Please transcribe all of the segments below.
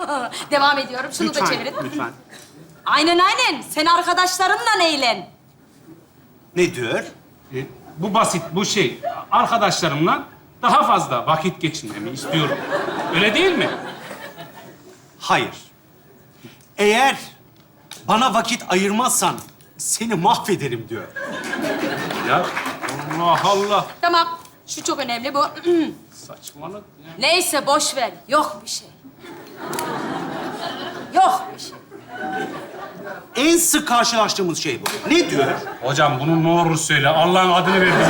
Devam ediyorum. Şunu da Lütfen, çevirin. lütfen. Aynen aynen. Sen arkadaşlarınla eğlen. Ne diyor? Bu basit, bu şey. Arkadaşlarımla daha fazla vakit geçirmemi istiyorum. Öyle değil mi? Hayır. Eğer bana vakit ayırmazsan seni mahvederim diyor. Ya Allah Allah. Tamam. Şu çok önemli bu. Saçmalık ya. Neyse boş ver. Yok bir şey. Yok bir şey. En sık karşılaştığımız şey bu. Ne diyor? Hocam bunu ne olur söyle. Allah'ın adını verdim.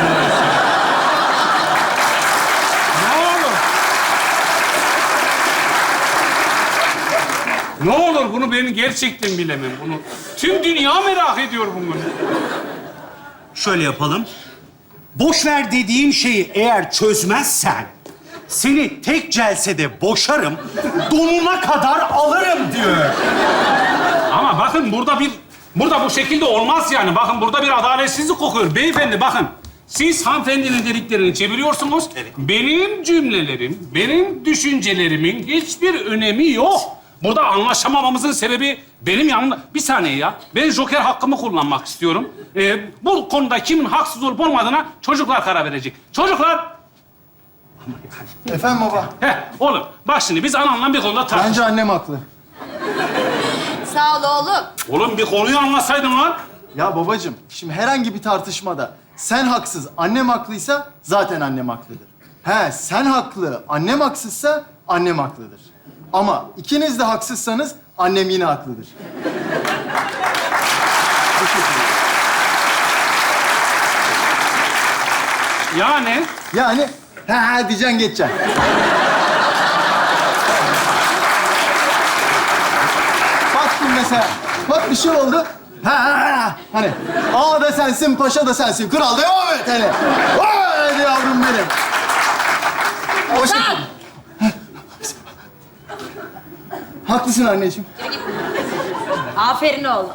Ne olur. Ne olur bunu ben gerçekten bilemem. Bunu tüm dünya merak ediyor bunu. Şöyle yapalım. Boş ver dediğin şeyi eğer çözmezsen seni tek celsede boşarım, donuna kadar alırım diyor. Ama bakın burada bu şekilde olmaz yani. Bakın burada bir adaletsizlik kokuyor. Beyefendi bakın. Siz hanımefendinin dediklerini çeviriyorsunuz. Evet. Benim cümlelerim, benim düşüncelerimin hiçbir önemi yok. Burada anlaşamamamızın sebebi benim yanımda... Bir saniye ya. Ben joker hakkımı kullanmak istiyorum. Bu konuda kimin haksız olup olmadığına çocuklar karar verecek. Çocuklar! Efendim baba. Oğlum bak şimdi biz ananla bir konuda tartıştık. Bence annem haklı. Sağ ol oğlum. Oğlum bir konuyu anlasaydın lan. Ya babacığım, şimdi herhangi bir tartışmada sen haksız, annem haklıysa zaten annem haklıdır. Sen haklı, annem haksızsa annem haklıdır. Ama ikiniz de haksızsanız annem yine haklıdır. Bu şekilde. Yani Yani diyeceksin geçeceksin. Bak şimdi mesela, bak bir şey oldu. Hani ağa da sensin, paşa da sensin, kral da evet hani. Hadi yavrum benim. O Ozan! şekilde. Haklısın anneciğim. Aferin oğlum.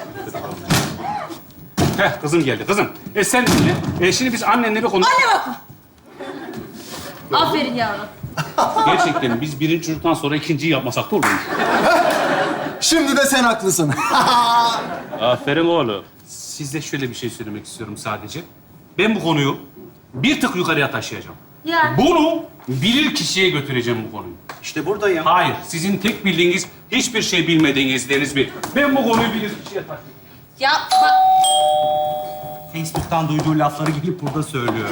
kızım geldi kızım. Sen dinle. Şimdi biz annenle bir konuş... Anne bak. Aferin yavrum. Gerçekten biz birinci çocuktan sonra ikinciyi yapmasak da olur mu? Şimdi de sen haklısın. Aferin oğlum. Size şöyle bir şey söylemek istiyorum sadece. Ben bu konuyu bir tık yukarıya taşıyacağım. Yani. Bunu bilir kişiye götüreceğim bu konuyu. İşte buradayım. Hayır, sizin tek bildiğiniz hiçbir şey bilmediğiniz Deniz Bey. Ben bu konuyu bilir kişiye taşıyacağım. Ya bak. Facebook'tan duyduğu lafları gelip burada söylüyor.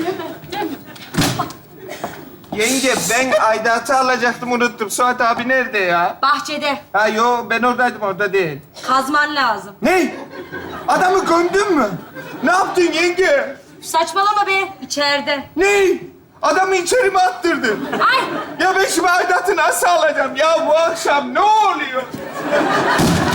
Yenge ben aidatı alacaktım unuttum. Suat abi nerede ya? Bahçede. Ha yo ben oradaydım orada değil. Kazman lazım. Ne? Adamı gömdün mü? Ne yaptın yenge? Saçmalama be. İçeride. Ne? Adamı içeri mi attırdın? Ay. Ya ben şimdi aidatı nasıl alacağım? Ya bu akşam ne oluyor?